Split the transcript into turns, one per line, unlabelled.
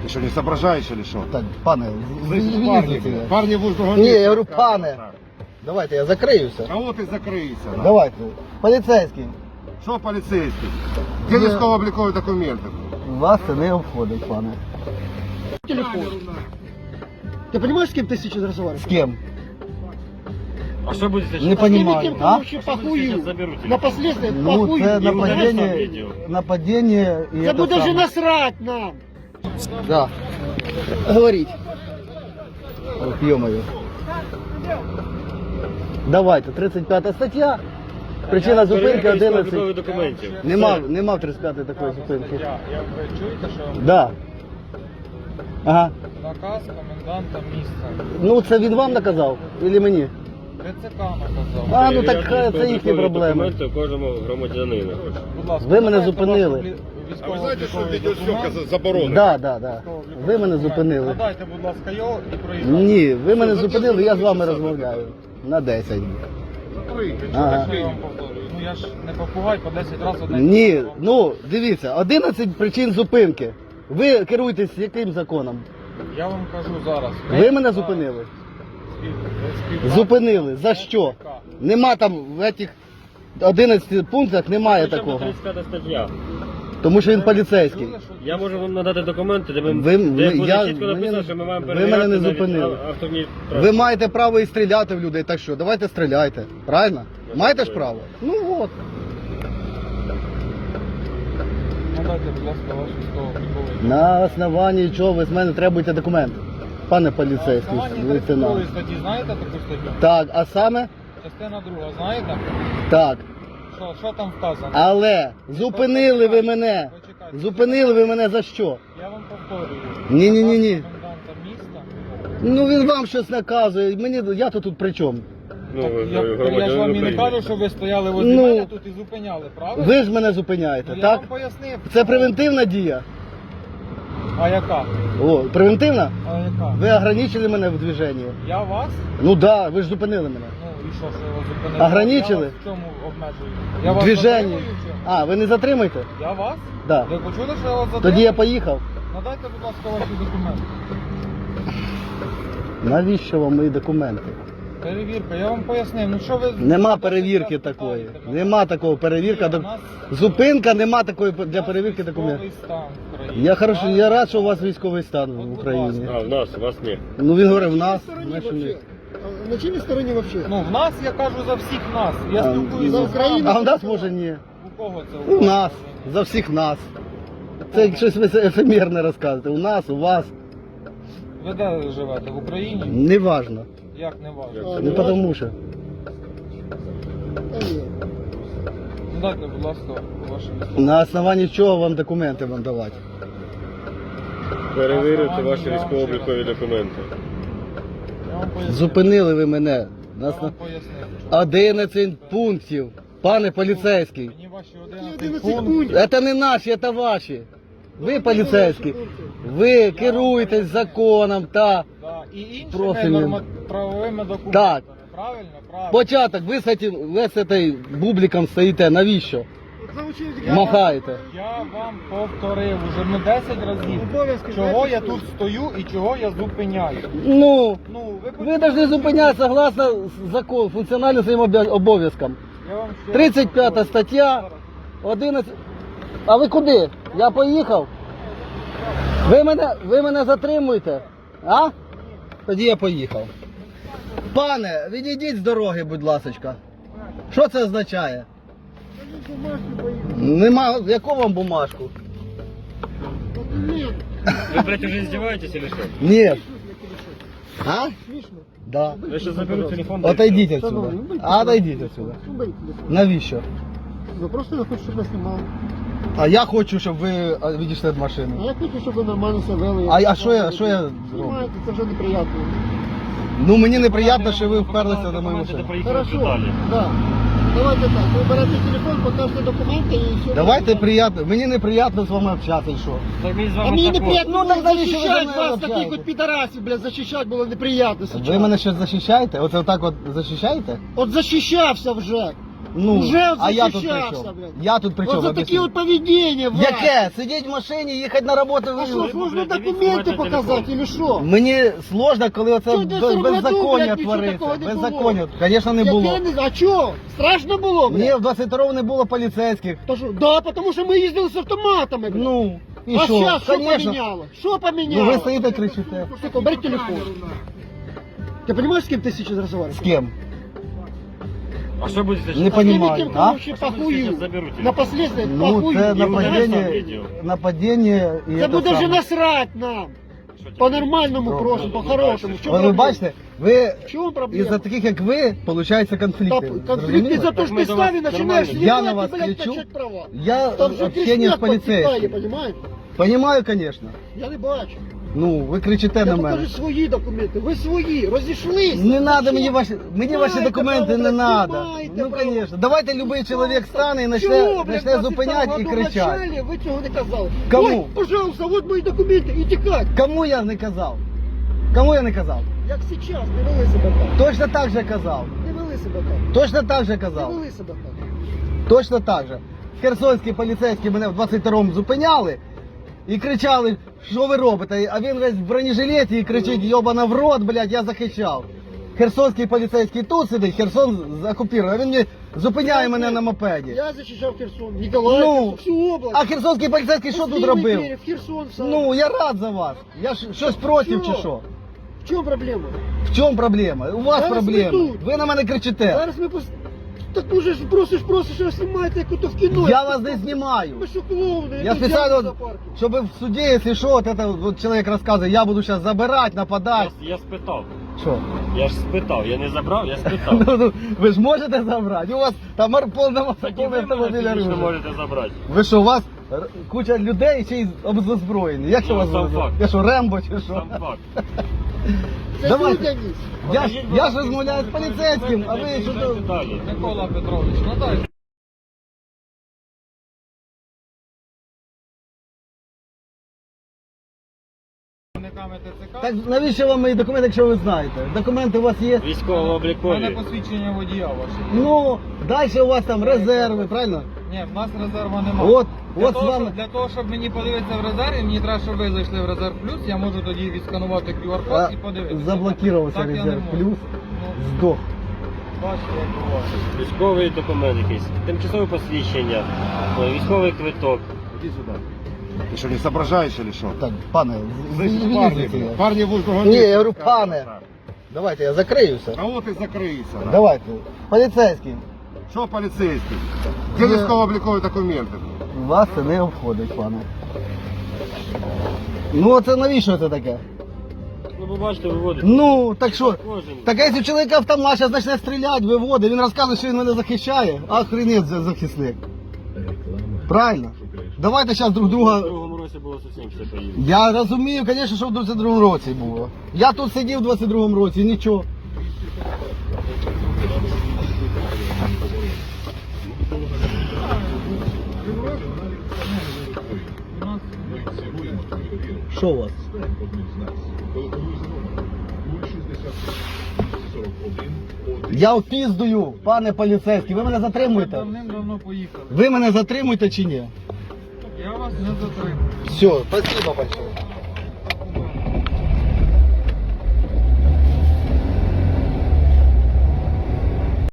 Ты что, не соображаешь или что?
Так, пане,
Парни будут
Ні, я говорю, пане. Давайте, я закриюся.
Кого ты закрыйся?
Давайте. Поліцейський.
Что полицейский? Где військово-облікові документи?
Вас це не обходить, пане.
Телефон. Ты понимаешь, с кем ты сейчас разговариваешь?
З кем?
А что будет сейчас?
Не понимаю.
Тем, кто
А?
вообще похую.
Сейчас заберу телефон.
На последствия
Ну,
похую.
це
не
нападіння, нападіння і
Да
це
бы даже
саме.
насрать нам.
Да.
Говорить.
Ох, ё-моё. Давайте, 35 стаття. Причина зупинки 11.
документів.
Нема в 35 такої зупинки.
Як ви чуєте, що
Да. Ага.
наказ коменданта міста
Ну це він вам наказав? Или мені?
ТЦК наказав.
А, ну так це їхні проблеми.
Документи кожному громадянину.
Будь ласка,
Ви мене
надайте
зупинили.
ваш
А ви знаєте, що
військово-обліковий
відеозйомка
документ.
заборонена?
Да. Ви мене зупинили.
Надайте, будь ласка, його і проїжджайте.
Ні, ви мене зупинили, я з вами розмовляю. На 10. Ага.
Що я вам повторюю? Ну я ж не попугай по 10 разів одне.
Ні, ну дивіться, 11 причин зупинки. Ви керуєтесь яким законом?
Я вам кажу зараз.
Ви мене зупинили? Зупинили. За що? Нема там в цих 11 пунктах немає такого.
35 стаття.
Тому що він поліцейський.
Я можу вам надати документи, де
Ви-
де
ви-
буде
я-
чітко
мені
написано,
не-
що ми маємо
ви
перевіряти
мене не
навіть
зупинили.
автомобіль.
Ви маєте право і стріляти в людей, так що? Давайте стріляйте. Правильно? Маєте ж право? Ну от.
Надайте, будь ласка, ваш військово-обліковий.
На основанні чого ви з мене требуєте документ? Пане поліцейський,
На основанні
лейтенант.
32 статті знаєте таку статтю?
Так, а саме?
Частина 2, знаєте?
Так.
Що там вказано?
Але зупинили ви мене.
Почекайте.
Зупинили ви мене за що?
Я вам повторюю.
Ні.
Наказ коменданта міста.
Ну він вам щось наказує. Я то тут при чому?
Ну,
Так,
ви
я ж
громадянин
вам і не
України.
кажу, що ви стояли возле
Ну,
мене тут і зупиняли, правильно?
Ви ж мене зупиняєте,
Ну, я
так?
вам пояснив.
Це превентивна дія.
А яка?
О, превентивна?
А яка?
Ви ограничили мене в движенні.
Я вас?
Ну да, ви ж зупинили мене.
Ну і що я вас зупинив?
Ограничили?
Я вас в чому обмежую? Я
В
вас
движенні.
затримую в чому?
А, ви не затримаєте?
Я вас?
Да.
Ви почули, що я вас затримую?
Тоді я поїхав.
Надайте, будь ласка, ваші документи.
Навіщо вам мої документи?
Перевірка, я вам пояснив. Ну що ви...
Нема перевірки такої. Нема такого перевірка.
У нас
Зупинка нема такої для перевірки документів.
військовий стан в країні.
Я хорошо, я рад, що у вас військовий стан
От,
в
будь
Україні.
А, в нас, у вас ні.
Ну він говорить в
На
нас,
чьей стороне
значить ні.
вообще? На чьей стороне вообще?
Ну в нас, я кажу, за всіх нас. Я
А,
спілкуюся
за
з
Україну.
вами.
А в нас може ні.
У кого це?
У нас, за всіх нас. Це щось ви ефемерне розказуєте. У нас, у вас.
Ви де живете? В Україні?
Неважно.
Як не важливо?
Не тому що.
Да нет.
Ну дайте, будь ласка, ваші військові.
На основанні чого вам документи вам давати?
Перевірити ваші військово-облікові документи.
Я вам пояснив.
Зупинили ви мене.
Я
На
вам
основ-
пояснив.
11 пунктів. Пане поліцейський.
Мені ваші
11
11 пунктів.
пунктів.
Це не наші, це ваші. Ви поліцейські. Ви керуєтесь законом та
Да. І іншими
профільним.
правовими документами.
Так.
Правильно, правильно.
початок. Ви з цим бубликом стоїте. Навіщо?
Заучили.
Махаєте.
Я вам повторив уже не 10 разів,
Обов'язки
чого я
10
тут стою і чого я зупиняю.
Ну,
Ну,
ви повинні зупинятися согласно закону, функціонально своїм обов'язкам.
Я вам ще раз
35
повторюю.
стаття, 11. А ви куди? Я поїхав. Ви мене затримуєте? А? Тоді я поїхав. Пане, відійдіть з дороги, будь ласка. Що це означає? Нема. Яку вам бумажку?
Нет.
Ви, блядь, уже издеваетесь или что?
Ні. А?
Смешно.
Да.
Я сейчас заберу телефон.
Отойдіть отсюда.
Шановні, ну, беріть
Отойдіть
телефон.
отсюда.
Ну, беріть телефон.
Навіщо?
Ну, просто я хочу, щоб ви знімали.
А я хочу, щоб ви відійшли від машини.
А я хочу, щоб ви нормально себе вели.
А що я зроблю?
Знімаєте, це вже неприємно.
Ну мені неприємно, що ви вперлися на мою машину.
Хорошо, да. Давайте так, ви берете телефон, покажете документи і все.
Давайте приятно. Мені неприємно з вами общатися, і що?
А мені неприємно
Ну, так навіщо ви за
захищати
мене
вас,
общаєтесь?
таких от підарасів, блядь, захищати було неприємно
Ви
зараз.
мене щось захищаєте? Оце отак от захищаєте?
От захищався вже.
Ну,
Уже
а я тут при
защищався,
чому?
блядь.
Я тут при чому?
Вот за
Об'ясніть.
такі от поведіння, Вася.
Яке? Сидіть в машині, їхати на роботу.
А що,
ви-
сложно
блядь,
документи
дивіться,
показати, или що?
Мені сложно, коли оце
Що, в 10-му году,
беззаконня
блядь, нічого
твориться.
такого не було?
Беззаконня. Звісно, не було.
А чого? Страшно було, блядь?
Ні, в 22-му не було поліцейських.
То що? Да, тому що ми їздили з автоматами, блядь.
Ну, і
а
що?
зараз що
Конечно.
поміняло? Що
Ну,
поміняло?
ви стоїте кричите.
Сука, бери телефон. Ты понимаешь, с кем ты сейчас разговариваешь?
З кем?
А что будете
Не
сейчас?
понимаю,
Тем,
а?
кому вообще похую.
Сейчас заберу телефон.
На последствия
Ну,
похую.
це
І вона
нападіння,
сам відео.
нападіння і
Це
це
буде вже
саме.
насрать нам. По-нормальному просимо, по-хорошому. В чому
Ви
проблема?
бачите, ви
В чому проблема?
із-за таких, як ви, получаються
Та
конфлікти.
конфликт не за
Так
то, что
мы
ты
за вас
стави начинаешь
нормально.
Я
ебать
на
и,
вас
блядь,
кричу.
качать права.
Я
Там же
общение з
кричать подтекали,
поліцейським.
понимаешь?
Понімаю, звісно.
Я не бачу.
Ну, ви кричите
Я
на мене.
покажу свої документи. Ви свої, розійшлися.
Не
Ви
надо
що?
мені ваші
Маєте
документи,
право,
не
блядь,
надо.
маєте
Ну,
право.
звісно. Давайте любий чоловік стане і
Чого,
почне
блядь, в
зупиняти
22
і
году
кричати.
вначале ви цього не казали.
Кому?
Ой, пожалуйста, вот мої документи, і тікать.
Кому я не казав? Кому я не казав?
Як сейчас, не вели себе так.
Точно так же казав.
Не вели себе так.
Точно так же
Не
казав.
вели себе так.
Точно так же. Херсонські поліцейські мене в 22-му зупиняли і кричали, що ви робите? А він весь в бронежилеті і кричить, йобана в рот, блядь, я захищав. Херсонський поліцейський тут сидить, Херсон окупований, а він мені зупиняє мене на мопеді.
Я захищав Херсон, Ніколаїв,
Ну,
всю область.
а херсонський поліцейський що тут робив?
В Херсон сам.
Ну, я рад за вас. Я щось проти чи
Чого?
що?
В чому проблема?
В чому проблема? У вас
Зараз
проблема.
ми тут.
Ви на мене кричите.
Зараз ми Так ти ж просиш, а знімаєте, як ото в кіно.
Я вас не знімаю.
Ви що, клоуни?
Я специально, вот, чтобы в суде, если что, вот это вот человек рассказывает, я буду сейчас забирать, нападать.
Я спитав.
Что?
Я ж спитав. Я не забрав, я спитав.
Ну, ви ж можете забрати? У вас там повна
Так і ви
автомобіля
мене фізично
оружия.
можете забрати.
Ви що, у вас куча людей ще й озброєні? Як що
Ну,
у вас
сам
озброєні?
факт.
Я що, Рембо чи що?
Сам факт.
Це
Давайте.
людяність.
Я ж розмовляю з поліцейським, а ви що
Їжджайте
то...
далі.
Микола Петрович, надай.
Так навіщо вам мої документи, якщо ви знаєте? Документи у вас є?
У мене
Військово-облікові.
посвідчення водія ваше.
Ну, далі у вас там резерви, правильно?
Ні, в нас резерва немає.
От з вами...
Для того, щоб мені подивитися в резерві, мені треба, щоб ви зайшли в резерв плюс, я можу тоді відсканувати QR-код і подивитися.
Заблокувався
Так я не
резерв
можу.
плюс,
Ну,
здох.
бачите, як буває.
Військовий документ якийсь. Тимчасове посвідчення. Військовий квиток.
Иди сюда. Ты что, не соображаешь или что?
Так, пане,
Парни, парни будут другого
Ні,
места.
я говорю, пане, давайте я закриюся.
А вот и закрыйся. да.
Давайте, поліцейський,
Что полицейский? Где військово-облікові документи?
вас це не обходить, пане. Ну, це навіщо це таке?
Ну, ви бачите, виводите.
Ну, так що,
Кожен.
так а якщо чоловік автомат зараз почне стріляти, виводить, він розказує, що він мене захищає, охренеть захисник. Правильно? Давайте зараз друг
У
друга...
другому році було зовсім все поїздно.
Я розумію, звісно, що в 22-му році було. Я тут сидів в 22-му році, і нічого. Що у вас? Я опіздую, пане поліцейський, ви мене затримуєте?
Давним-давно поїхали.
Ви мене затримуєте чи ні?
Я вас не затримую.
Все, спасибо большое.